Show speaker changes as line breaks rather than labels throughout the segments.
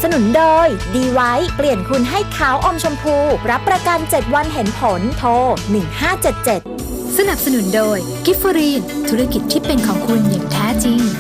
นุนโดยดีไวท์เปลี่ยนคุณให้ขาวอมชมพูรับประกัน7วันเห็นผลโทร1577
สนับสนุนโดยกิฟฟรีนธุรกิจที่เป็นของคุณอย่างแท้จริง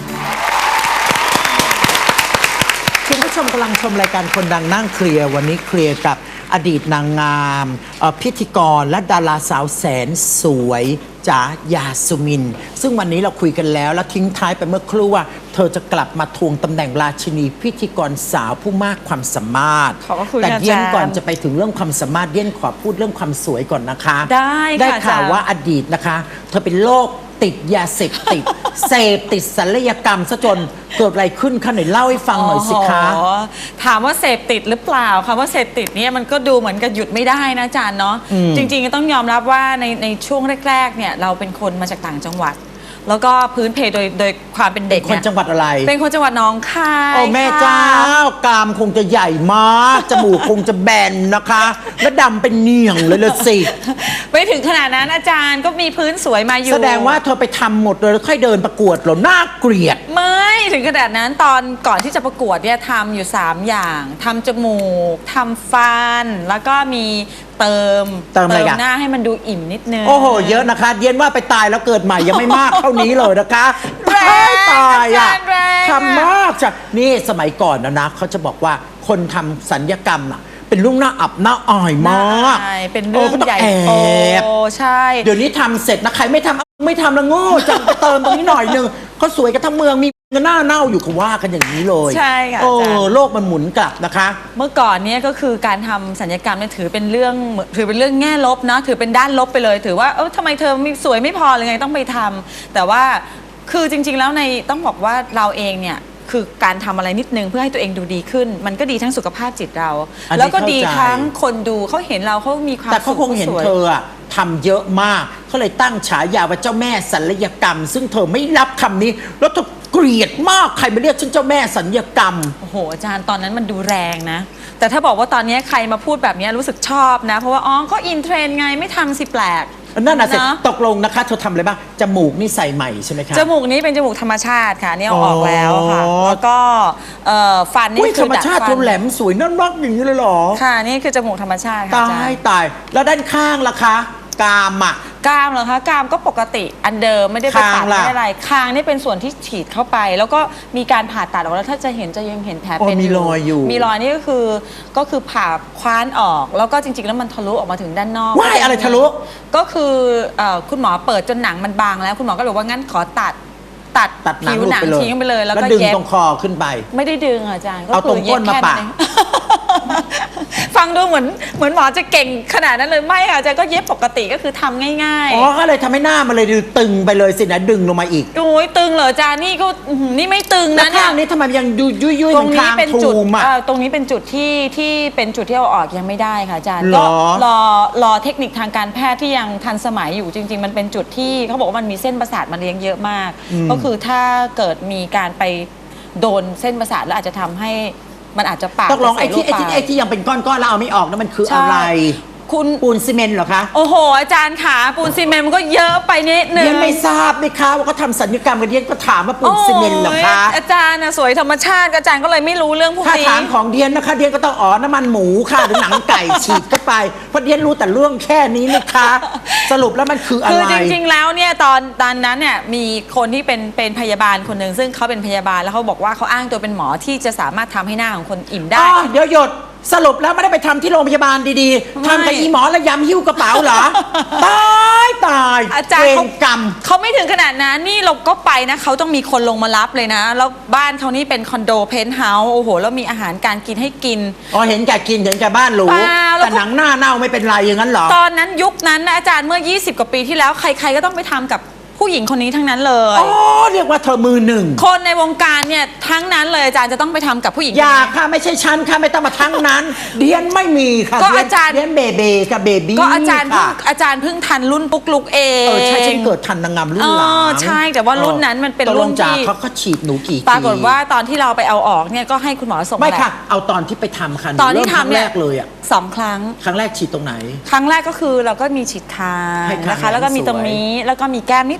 คุณผู้ชมกำลังชมรายการคนดังนั่งเคลียร์วันนี้เคลียร์กับอดีตนางงามพิธีกรและดาราสาวแสนสวยจ๋ายาสุมินซึ่งวันนี้เราคุยกันแล้วและทิ้งท้ายไปเมื่อครู่ว่าเธอจะกลับมาทวงตำแหน่งราชินีพิธีกรสาวผู้มากความสามารถแต่เย็นก่อนจะไปถึงเรื่องความสามารถเย็นขอพูดเรื่องความสวยก่อนนะคะได้ข่าวว่าอดีตนะคะเธอเป็นโรคติดยาเสพติด เสพติดศัลยกรรมซะจนเกิดอะไรขึ้นคะหน่อยเล่าให้ฟังหน่อยสิคะ
ถามว่าเสพติดหรือเปล่าคำว่าเสพติดเนี่ยมันก็ดูเหมือนกับหยุดไม่ได้นะอาจารย์เนาะจริงๆก็ต้องยอมรับว่าในช่วงแรกๆเนี่ยเราเป็นคนมาจากต่างจังหวัดแล้วก็พื้นเพโดยความเป็นเด็ก
คนจังหวัดอะไร
เป็นคนจังหวัดหนองคาย
โอ้แม่เจ้ากรามคงจะใหญ่มากจมูกคงจะแบนนะคะและดำเป็นเนียงเลยละสิ
ไม่ถึงขนาดนั้นอาจารย์ก็มีพื้นสวยมาอยู่
แสดงว่าเธอไปทำหมดเลยแล้วค่อยเดินประกวดเหรอน่าเกลียด
ไม่ถึงขนาดนั้นตอนก่อนที่จะประกวดเนี่ยทำอยู่3อย่างทำจมูกทำฟันแล้วก็มีเติมหน้าให้มันดูอิ่มนิดนึง
โอ้โหเยอะนะคะเย็นว่าไปตายแล้วเกิดใหม่ยังไม่มากเท่านี้เลยนะคะ
แรง
ตายอ่ะทำมากจ้ะนี่สมัยก่อนนะเขาจะบอกว่าคนทำสัญญกรรมอ่ะเป็นเรื่องน่าอับน่าอายมาก
เป็นเรื่องใหญ่โตใช่
เดี๋ยวนี้ทำเสร็จนะใครไม่ทำแล้วโง่จังไปเติมตรงนี้หน่อยนึงเขาสวยกันทั้งเมืองมีหน้าเน่าอยู่เขาว่ากันอย่างนี้เลย
ใช่ค่ะ
โลกมันหมุนกลับนะคะ
เมื่อก่อนนี้ก็คือการทำศัลยกรรมเนี่ยถือเป็นเรื่องแง่ลบนะถือเป็นด้านลบไปเลยถือว่าทำไมเธอสวยไม่พอเลยไงต้องไปทำแต่ว่าคือจริงๆแล้วต้องบอกว่าเราเองเนี่ยคือการทำอะไรนิดนึงเพื่อให้ตัวเองดูดีขึ้นมันก็ดีทั้งสุขภาพจิตเราแล้วก็ดีทั้งคนดูเขาเห็นเราเขามีความ
แต่เขาคงเห็นเธอทำเยอะมากเขาเลยตั้งฉายาว่าเจ้าแม่ศัลยกรรมซึ่งเธอไม่รับคำนี้แล้วเธอเกลียดมากใครมาเรียกฉันเจ้าแม่ศัลยกรรม
โอ้โหอาจารย์ตอนนั้นมันดูแรงนะแต่ถ้าบอกว่าตอนนี้ใครมาพูดแบบนี้รู้สึกชอบนะเพราะว่าก็อินเทรนไงไม่ทำสิแปลก
นั่นน่ะสิตกลงนะคะเธอทำอะไรบ้างจมูกนี่ใส่ใหม่ใช่ไหมคะ
จมูกนี้เป็นจมูกธรรมชาติค่ะนี่เอาออกแล้วค่ะแล้วก็ฟันนี่
คือธรรมชาติเธอแหลมสวยน่ารักอย่างนี้เลยหรอ
ค่ะนี่คือจมูกธรรมชาติค่ะ
ตายแล้วด้านข้างล่ะคะกราม
กรามเหรอคะกรามก็ปกติอันเดิมไม่ได้ไปตัดไม่ได้อะไรคางนี่เป็นส่วนที่ฉีดเข้าไปแล้วก็มีการผ่าตัดออกแล้วถ้าจะยังเห็นแผลเป็น
มีรอยอยู่
มีรอยนี่ก็คือผ่าคว้านออกแล้วก็จริงๆแล้วมันทะลุออกมาถึงด้านนอก
ว่ายอะไรทะลุ
ก็คือคุณหมอเปิดจนหนังมันบางแล้วคุณหมอก็เลยว่างั้นขอตัดผิวหนังทิ้งไปเลยแล้วก็
ดึงตรงคอขึ้นไป
ไม่ได้ดึงอาจารย์
เอาตรงก้นมาปะ
ฟังดูเหมือนหมอจะเก่งขนาดนั้นเลยไม่ค่ะอาจารย์ก็เย็บปกติก็คือทำง่าย
ๆก็เลยทำให้หน้ามันเลยดูตึงไปเลยสินะดึงลงมาอีก
โอ้ยตึงเหรออาจารย์นี่ก็นี่ไม่ตึงนะ
ข้างนี้ทำไมยังดูยุ่ย
ตรงนี้เป็นจุดตรงนี้เป็นจุดที่เป็นจุดที่เอาออกยังไม่ได้ค่ะอาจารย์ก็รอเทคนิคทางการแพทย์ที่ยังทันสมัยอยู่จริงๆมันเป็นจุดที่เขาบอกว่ามันมีเส้นประสาทมาเลี้ยงเยอะมากก็คือถ้าเกิดมีการไปโดนเส้นประสาทแล้วอาจจะทำให้มันอาจจะปาก
ต้องลองไอ้ที่ยังเป็นก้อนๆแล้วเอาไม่ออกนั่นมันคืออะไร
คุณ
ปูนซีเมนต์เหรอคะ
โอ้โหอาจารย์ขาปูนซีเมนต์มันก็เยอะไปนิดนึง
เดียนไม่ทราบเลยค่ะว่าเขาทำศัลยกรรมกันเดียนก็ถามว่าปูนซีเมนต์เหรอคะ
อาจารย์สวยธรรมชาติอาจารย์ก็เลยไม่รู้เรื่องพวกนี้
ถ้าถามของเดียนนะคะเดียนก็ต้องน้ำมันหมูค่ะหรือหนังไก่ฉีดเข้าไปเพราะเดียนรู้แต่เรื่องแค่นี้นะคะสรุปแล้วมันคืออะไร
คือจริงๆแล้วเนี่ยตอนนั้นเนี่ยมีคนที่เป็นพยาบาลคนหนึ่งซึ่งเขาเป็นพยาบาลแล้วเขาบอกว่าเขาอ้างตัวเป็นหมอที่จะสามารถทำให้หน้าของคนอิ่มได้
เดี๋ยวหยดสรุปแล้วไม่ได้ไปทำที่โรงพยาบาลดีๆทำกับอีหมอแล้วยำหิ้วกระเป๋าเหรอตาย
อาจารย์เขาไม่ถึงขนาดนั้นนี่เราก็ไปนะเขาต้องมีคนลงมารับเลยนะแล้วบ้านเขานี่เป็นคอนโดเพนท์เฮาส์โอ้โหแล้วมีอาหารการกินให้กิน
เห็นแก่กินเห็นแก่บ้านหรูแต่หนังหน้าเน่าไม่เป็นไรอย่างนั้นหรอ
ตอนนั้นยุคนั้นนะอาจารย์เมื่อ20 กว่าปีที่แล้วใครๆก็ต้องไปทำกับผู้หญิงคนนี้ทั้งนั้นเลย
เรียกว่าเธอมือหนึ่ง
คนในวงการเนี่ยทั้งนั้นเลยอาจารย์จะต้องไปทำกับผู้หญิง
อย่าค่ะไม่ใช่ฉันค่ะไม่ต้องมาทั้งนั้นเดียนไม่มีค่ะ
ก็อาจารย์
เดียนเบกับเบบี้
ก็อาจารย์เพิ่งทันรุ่นปุ๊กลุกเอง
ใช่ฉันเกิดทันนางงามรุ่นหลัง
ใช่แต่ว่ารุ่นนั้นมันเป็นรุ่นที่
เขาก็ฉีดหนูกี่
ปรากฏว่าตอนที่เราไปเอาออกเนี่ยก็ให้คุณหมอส่ง
ไม่ค่ะเอาตอนที่ไปทำค่ะ
ตอนที่ทำ
แรกเลย
2 ครั้ง
แรกฉีดตรงไหน
ครั้งแรกก็คือเราก็มีฉีดคางนะคะแล้วก็มีตรงนี้แล้วก็มีแก้มนิด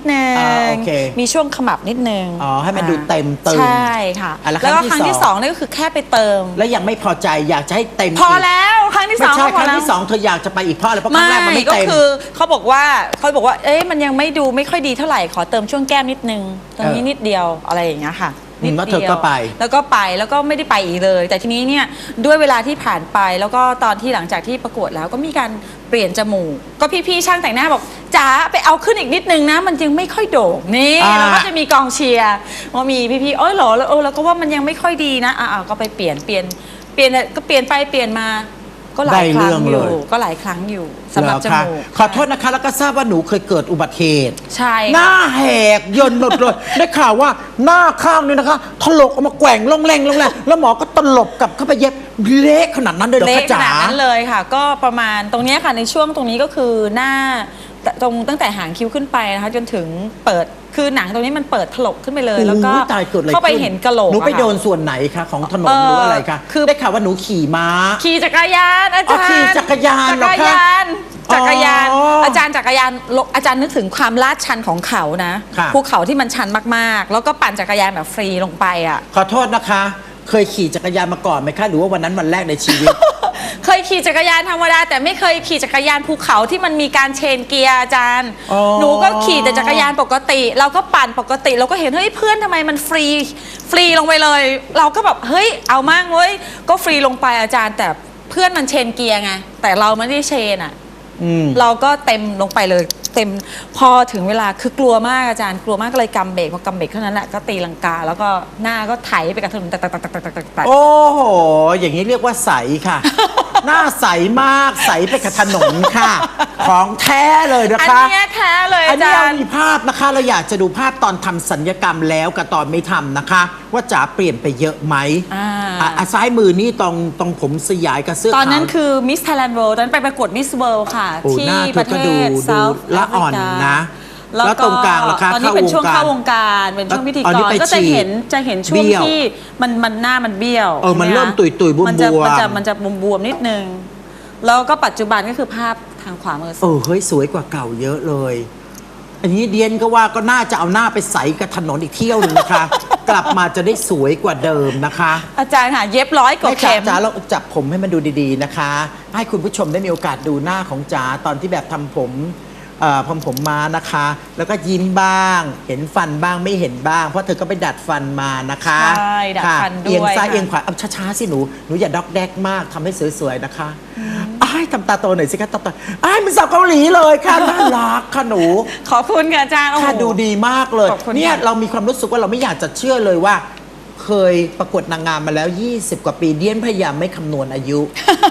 นึง
โอเค
มีช่วงขมับนิดนึง
อ๋อให้มันดูเต็มตึง
ใช่ค่ะ
แล้ว
แล้วก็ค
ครั้
รั้
ง
ง
ที่
ที่
ส
ส
อ
อง งนี่ก็คือแค่ไปเติม
แล้วยังไม่พอใจอยากจะให้เต็ม
พอ
อีก
แล้วครั้งที่ส
ไม่
อง
ใช่
ก็
ค
พอ
รั้ง
แล้ว
ที่สองเธออยากจะไปอีกเพราะอะไรเพราะครั้งแรกมันไม่
ก็
เต็ม
คือเขาบอกว่าเอ๊ะมันยังไม่ดูไม่ค่อยดีเท่าไหร่ขอเติมช่วงแก้มนิดนึงตรงนี้นิดเดียวอะไรอย่างเงี้ยค่ะนิด
แล้ว
เดี
เธอก็ไป
แล้วก็ไม่ได้ไปอีกเลย แต่ทีนี้เนี่ยด้วยเวลาที่ผ่านไปแล้วก็ตอนที่หลังจากที่ประกวดแล้วก็มีการเปลี่ยนจมูกก็พี่ๆช่างแต่งหน้าบอกจ๋าไปเอาขึ้นอีกนิดนึงนะมันยังไม่ค่อยโด่งนี่แล้วก็จะมีกองเชียร์ว่ามีพี่ๆเหรอแล้วก็ว่ามันยังไม่ค่อยดีนะก็ไปเปลี่ยนก็เปลี่ยนไปเปลี่ยนมาก็หลายครั้งอยู่ก็หลายครั้งอยู่สำหรับจมูก
ขอโทษนะคะแล้วก็ทราบว่าหนูเคยเกิดอุบัติเหตุ
ใช่
หน้าแหกยนหมดเลย ได้ข่าวว่าหน้าข้างนี่นะคะถลกออกมาแกว่งลงแรงแล้วหมอก็ตลบกลับเข้าไปเย็บเละขนาดนั้นเลยเหรอ
เละ
คะ
ข
จ๋า
นาดนั้นเลยค่ะ ก็ประมาณตรงเนี้ยค่ะในช่วงตรงนี้ก็คือหน้าตั้งแต่หางคิ้วขึ้นไปนะคะจนถึงเปิดคือหนังตรงนี้มันเปิดถลกขึ้นไปเลย แล้วก็
โอ้ยตายเกิดอะไร
เข้าไป
ขึ้น
เห็นกะโหลก
หนูไป
อะค่ะ
โดนส่วนไหนคะของถนนหรืออะไรคะ
คือ
ได้ข่าวว่าหนูขี่ม้า
ขี่จักรยานอาจารย์
ขี่จักรยานเหรอคะ
จักรยาน
อ๋ออ
อาจารย์จักรยานอาจารย์นึกถึงความลาดชันของเขานะ
ค่ะ
ภูเขาที่มันชันมากๆ แล้วก็ปั่นจักรยานแบบฟรีลงไปอ่ะ
ขอโทษนะคะ เคยขี่จักรยานมาก่อนไหมคะหรือว่าวันนั้นวันแรกในชีวิต
เคยขี่จักรยานธรรมดาแต่ไม่เคยขี่จักรยานภูเขาที่มันมีการเชนเกียร์อาจารย์
อ๋อ
หนูก็ขี่แต่จักรยานปกติ เราก็ปั่นปกติเราก็เห็นเฮ้ยเพื่อนทำไมมันฟรีลงไปเลย เราก็แบบเฮ้ยเอามั่งเว้ยก็ฟรีลงไปอาจารย์แต่เพื่อนมันเชนเกียร์ไงแต่เราไม่ได้เชนอ่ะ เราก็เต็มลงไปเลยเต็มพอถึงเวลาคือกลัวมากอาจารย์กลัวมากก็เลยกำเบรกพอกำเบรกเท่านั้นแหละก็ตีลังกา แล้วก็หน้าก็ไถไปกับถนนตัก
โอ้โห อย่างนี้เรียกว่าใสค่ะ หน้าใสมากใสไปกับถนนค่ะ ของแท้เลยนะ
อัน
คะ
เนี้ยแท้เลย
อัน
อา
นี้
จา
เรา
รย์
มีภาพนะคะ เราอยากจะดูภาพตอนทำสัญญกรรมแล้วกับตอนไม่ทำนะคะ ว่าจ๋าเปลี่ยนไปเยอะไหมซ้ายมือนี่ตรงผมสยายกับเสื้อ
ตอนนั้น
ขาว
คือมิสไทยแลนด์เวิลด์ตอนนั้นไปประกวดมิสเวิลด์ค่ะ
โอ้
ที่
หน้าเธ
ป
อ
ระเท
ก็ดู
ศเซาท์
ละอ่อนนะ แล้วตรงกลางล่ะคะ
ตอนนี้เป็นช่วงเข้าวงการเป็นช่วงพิธี
อ๋อก นี่
ร
ไป
ก็จะเห็น
ฉีด
ช่วง
เบี้ยว
ที่มันหน้ามันเบี้ยว
มัน
ใช่ไห
เริ่มตุยๆบวมๆ
มันจะบวมๆนิดนึงแล้วก็ปัจจุบันก็คือภาพทางขวามือ
เฮ้ยสวยกว่าเก่าเยอะเลย อันนี้เดียนก็ว่าก็น่าจะเอาหน้าไปใสกับถนนอีกเที่ยวหนึงนะคะ กลับมาจะได้สวยกว่าเดิมนะคะ
อาจารย์ค่ะเย็บ100 กว่า
ให้จ๋า
เข็ม
จ๋าเราจับผมให้มันดูดีๆนะคะ ให้คุณผู้ชมได้มีโอกาสดูหน้าของจ๋าตอนที่แบบทำผมมานะคะ แล้วก็ยิ้มบ้าง เห็นฟันบ้างไม่เห็นบ้าง เพราะเธอก็ไปดัดฟันมานะคะ
ใช่ดัดฟันด้วย
เอียงซ้าย
ค่ะ
เอียงขวาเอาช้าๆสิหนูอย่าด็อกแดกมากทำให้สวยๆนะคะอ้ายทำตาโตหน่อยสิคะตาโตอ้ายเป็นสาวเกาหลีเลยค่ะน่ารักค่ะหนู
ขอบคุณค่ะอาจารย์โอ้โห
ค่ะดูดีมากเลย
ขอบคุณ
เนี่ย
ค่ะ
เรามีความรู้สึกว่าเราไม่อยากจะเชื่อเลยว่า เคยประกวดนางงามมาแล้ว 20 กว่าปีเดียนพยายามไม่คำนวณอายุ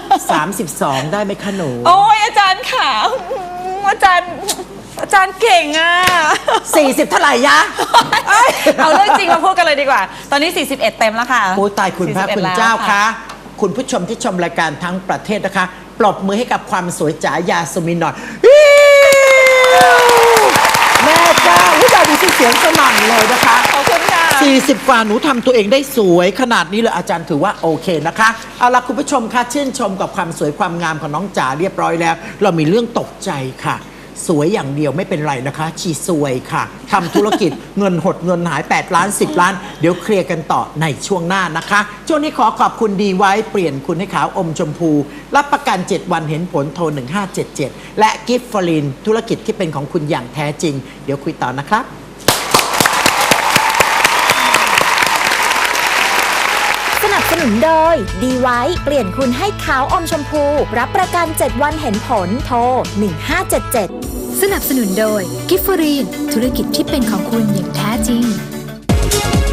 32 ได้ไหมคะหนู
โอ้ยอาจารย์ค่ะอาจารย์เก่งอ่ะ
40 เท่าไหร่ยะ
เอาเรื่องจริงมาพูดกันเลยดีกว่า ตอนนี้ 41 เต็มแล้วค่ะ
โอ้ตายคุณพระ
41
คุณ
แล้ว
เจ้าคะคุณผู้ชมที่ชมรายการทั้งประเทศนะคะ ปรบมือให้กับความสวยจ๋ายาสมินหน่อยแม่เจ้าผู้ชายดูสิเสียงสนั่นเลยนะคะ
ขอบคุณค่ะ
40 กว่าหนูทำตัวเองได้สวยขนาดนี้เลยอาจารย์ถือว่าโอเคนะคะ เอาล่ะคุณผู้ชมคะชื่นชมกับความสวยความงามของน้องจ๋าเรียบร้อยแล้ว เรามีเรื่องตกใจค่ะ สวยอย่างเดียวไม่เป็นไรนะคะชีสวยค่ะทำธุรกิจ เงินหดเงินหาย8 ล้าน 10 ล้าน เดี๋ยวเคลียร์กันต่อในช่วงหน้านะคะช่วงนี้ขอขอบคุณดีไว้เปลี่ยนคุณให้ขาวอมชมพู รับประกัน 7 วันเห็นผลโทร 1577 และกิฟต์ฟลินธุรกิจที่เป็นของคุณอย่างแท้จริง เดี๋ยวคุยต่อนะครับ
สนับสนุนโดยดีไว้เปลี่ยนคุณให้ขาวอมชมพู รับประกัน 7 วันเห็นผลโทร 1577
สนับสนุนโดยกิฟฟรีนธุรกิจที่เป็นของคุณอย่างแท้จริง